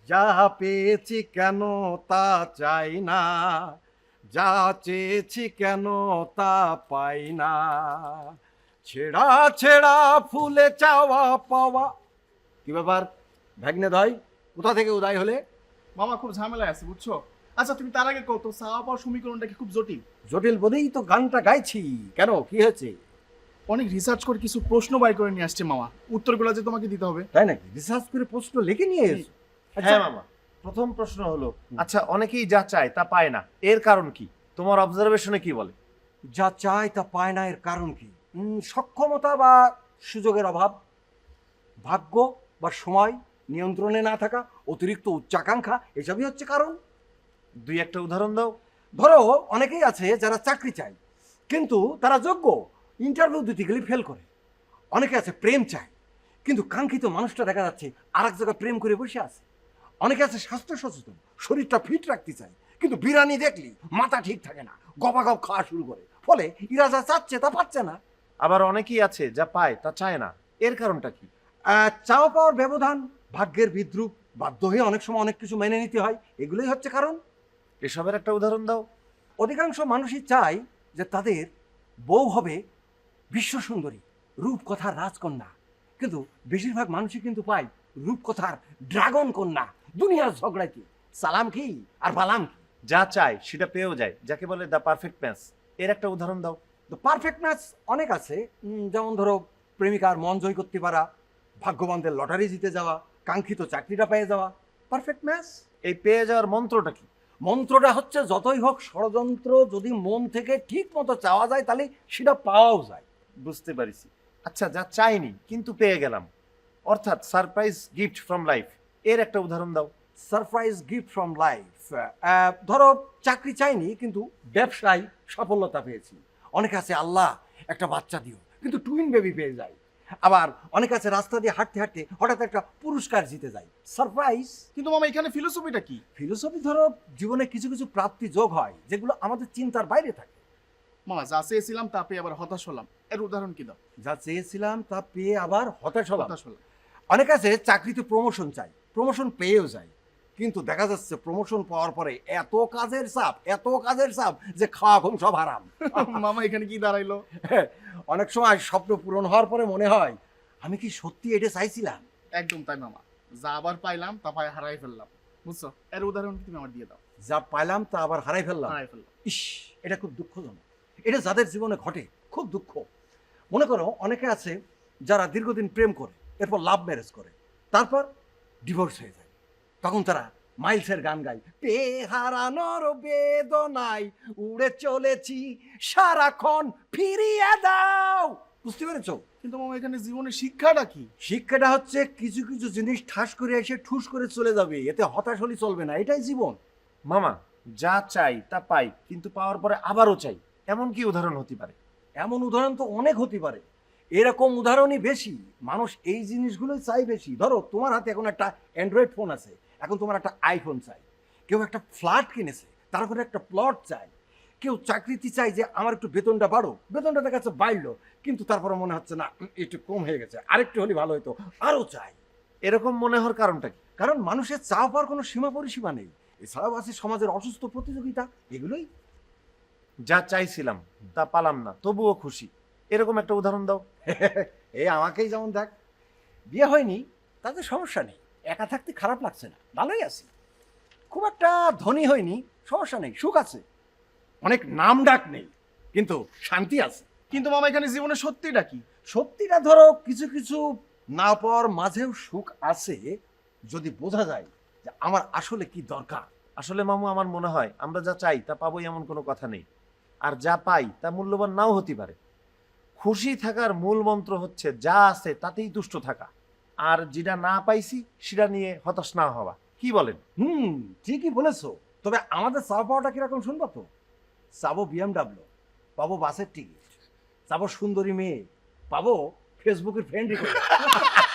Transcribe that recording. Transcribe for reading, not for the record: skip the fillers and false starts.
যা পেয়েছি কেন তা চাই না, যা চেয়েছি কেন তা পাই না, ছেঁড়া ছেঁড়া ফুলে চাওয়া পাওয়া। কি ব্যাপার ভাগ্নে দয়, কোথা থেকে উদয় হলে? মামা খুব ঝামেলায় আছে বুঝছো। আচ্ছা তুমি তার আগে কত চাওয়া পাওয়ার সমীকরণটা কি খুব জটিল? জটিল বলেই তো গানটা গাইছি। কেন, কি হয়েছে? অনেক রিসার্চ করে কিছু প্রশ্ন বাই করে নিয়ে আসছে মামা, উত্তরগুলো যে তোমাকে দিতে হবে। তাই নাকি? রিসার্চ করে প্রশ্ন লিখে নিয়ে এসো? হ্যাঁ মামা, প্রথম প্রশ্ন হলো, আচ্ছা অনেকেই যা চায় তা পায় না, এর কারণ কি? তোমার অবজারভেশনে কি বলে? যা চায় তা পায় না, এর কারণ কি? সক্ষমতা বা সুযোগের অভাব, ভাগ্য বা সময় নিয়ন্ত্রণে না থাকা, অতিরিক্ত উচ্চাকাঙ্ক্ষা, এসবই হচ্ছে কারণ। দুই একটা উদাহরণ দাও। ধরো অনেকেই আছে যারা চাকরি চায় কিন্তু তারা যোগ্য, ইন্টারভিউ দিতে গেলে ফেল করে। অনেকে আছে প্রেম চায় কিন্তু কাঙ্ক্ষিত মানুষটা দেখা যাচ্ছে আর এক জায়গায় প্রেম করে বসে আছে। অনেকে আছে স্বাস্থ্য সচেতন, শরীরটা ফিট রাখতে চায় কিন্তু বিরানি দেখলি মাথা ঠিক থাকে না, গবাগব খাওয়া শুরু করে, ফলে ইরা যা চাচ্ছে তা পাচ্ছে না। আবার অনেকেই আছে যা পায় তা চায় না, এর কারণটা কি? চাওয়া পাওয়ার ব্যবধান, ভাগ্যের বিদ্রুপ, বাধ্য হয়ে অনেক সময় অনেক কিছু মেনে নিতে হয়, এগুলোই হচ্ছে কারণ। এসবের একটা উদাহরণ দাও। অধিকাংশ মানুষই চায় যে তাদের বউ হবে বিশ্বসুন্দরী, রূপকথার রাজকন্যা, কিন্তু বেশিরভাগ মানুষই কিন্তু পায় রূপকথার ড্রাগন কন্যা। দুনিয়ার ঝগড়াইতে সালাম কি আর বালাম কি। যা চায় সেটা পেয়েও যায়, যাকে বলে দ্য পারফেক্ট ম্যাচ, এর একটা উদাহরণ দাও। তো পারফেক্ট ম্যাচ অনেক আছে, যেমন ধরো প্রেমিকার মন জয় করতে পারা, ভাগ্যবানদের লটারি জিতে যাওয়া, কাঙ্ক্ষিত চাকরিটা পেয়ে যাওয়া, পারফেক্ট ম্যাচ। এই পেয়ে যাওয়ার মন্ত্রটা কি? মন্ত্রটা হচ্ছে যতই হোক ষড়যন্ত্র, যদি মন থেকে ঠিক মতো চাওয়া যায় তাহলে সেটা পাওয়াও যায়। বুঝতে পারিছি। আচ্ছা যা চাইনি কিন্তু পেয়ে গেলাম, অর্থাৎ সারপ্রাইজ গিফট ফ্রম লাইফ, এর একটা উদাহরণ দাও। সারপ্রাইজ গিফট ফ্রম লাইফ, ধরো চাকরি চাইনি কিন্তু ব্যবসায় সফলতা পেয়েছি। অনেক আছে আল্লাহ একটা বাচ্চা দিও কিন্তু টুইন বেবি পেয়ে যায়। আবার অনেক আছে রাস্তা দিয়ে হাঁটতে হাঁটতে হঠাৎ একটা পুরস্কার জিতে যায়, সারপ্রাইজ। কিন্তু মামা এখানে ফিলোসফিটা কি? ফিলোসফি ধরো জীবনে কিছু কিছু প্রাপ্তি যোগ হয় যেগুলো আমাদের চিন্তার বাইরে থাকে। মামা যা চেয়েছিলাম তা পেয়ে আবার হতাশ হলাম, এর উদাহরণ কি দাও? যা চেয়েছিলাম তা পেয়ে আবার হতাশ হলাম। হতাশ হলাম। অনেক আছে চাকরিতে প্রমোশন চাই, প্রমোশন পেয়েও যায় কিন্তু দেখা যাচ্ছে প্রমোশন পাওয়ার পরে এত কাজের চাপ, এত কাজের চাপ যে খাওয়া ঘুম সব হারাম। মামা এখানে কি দাঁড়াইলো? অনেক সময় স্বপ্ন পূরণ হওয়ার পরে মনে হয় আমি কি সত্যি এটা চাইছিলাম। একদম তাই মামা, যা আবার পাইলাম তা পাই হারাই ফেললাম, বুঝছো? এর উদাহরণ কি তুমি আমার দিয়ে দাও। যা পাইলাম তা আবার হারাই ফেললাম। হারাই ফেললাম। ইস, এটা খুব দুঃখজনক। এটা যাদের জীবনে ঘটে খুব দুঃখ। মনে করো অনেকে আছে যারা দীর্ঘদিন প্রেম করে, এরপর লাভ ম্যারেজ করে, তারপর ডিভোর্স হয়ে যায়। তখন তারা মাইলসের গান গায়, পেয়ে হারানোর বেদনায় উড়ে চলেছি সারাক্ষণ, ফিরিয়ে দাও। বুঝতে পেরেছো? কিন্তু মামা এখানে জীবনের শিক্ষাটা কি? শিক্ষাটা হচ্ছে কিছু কিছু জিনিস ঠাস করে এসে ঠুস করে চলে যাবে, এতে হতাশ হলে চলবে না, এটাই জীবন। মামা যা চাই তা পাই কিন্তু পাওয়ার পরে আবারও চাই, এমন কি উদাহরণ হতে পারে? এমন উদাহরণ তো অনেক হতে পারে, এরকম উদাহরণই বেশি। মানুষ এই জিনিসগুলোই চাই বেশি। ধরো তোমার হাতে এখন একটা অ্যান্ড্রয়েড ফোন আছে, এখন তোমার একটা আইফোন চাই। কেউ একটা ফ্ল্যাট কিনেছে, তার করে একটা প্লট চাই। কেউ চাকরিতে চাই যে আমার একটু বেতনটা বাড়ো, বেতনটা দেখা যাচ্ছে বাড়লো কিন্তু তারপরে মনে হচ্ছে না একটু কম হয়ে গেছে, আরেকটু হলে ভালো হতো, আরও চাই। এরকম মনে হওয়ার কারণটা কি? কারণ মানুষের চাওয়া পাওয়ার কোনো সীমা পরিসীমা নেই। এছাড়াও আছে সমাজের অসুস্থ প্রতিযোগিতা, এগুলোই। যা চাইছিলাম তা পালাম না তবুও খুশি, এরকম একটা উদাহরণ দাও। এই আমাকেই যেমন দেখ, বিয়ে হয়নি তাতে সমস্যা নেই, একা থাকতে খারাপ লাগছে না, ভালোই আছি। খুব একটা ধনী হয়নি, সমস্যা নেই, সুখ আছে। অনেক নাম ডাক নেই কিন্তু শান্তি আছে। কিন্তু মামা এখানে জীবনের সত্যিটা কি? সত্যিটা ধরো কিছু কিছু না পাওয়ার মাঝেও সুখ আছে যদি বোঝা যায় যে আমার আসলে কি দরকার। আসলে মামু আমার মনে হয় আমরা যা চাই তা পাবোই এমন কোনো কথা নেই, আর যা পাই তা মূল্যবান নাও হতে পারে। খুশি থাকার মূল মন্ত্র হচ্ছে যা আছে তাতেই তুষ্ট থাকা, আর যেটা না পাইছি সেটা নিয়ে হতাশ না হওয়া। কি বলেন? ঠিকই বলেছো। তবে আমাদের চাওয়া পাওয়াটা কিরকম শুনবো তো? চাবো BMW, পাবো বাসের টিকিট, চাবো সুন্দরী মেয়ে, পাবো ফেসবুকের ফ্রেন্ড রিকোয়েস্ট।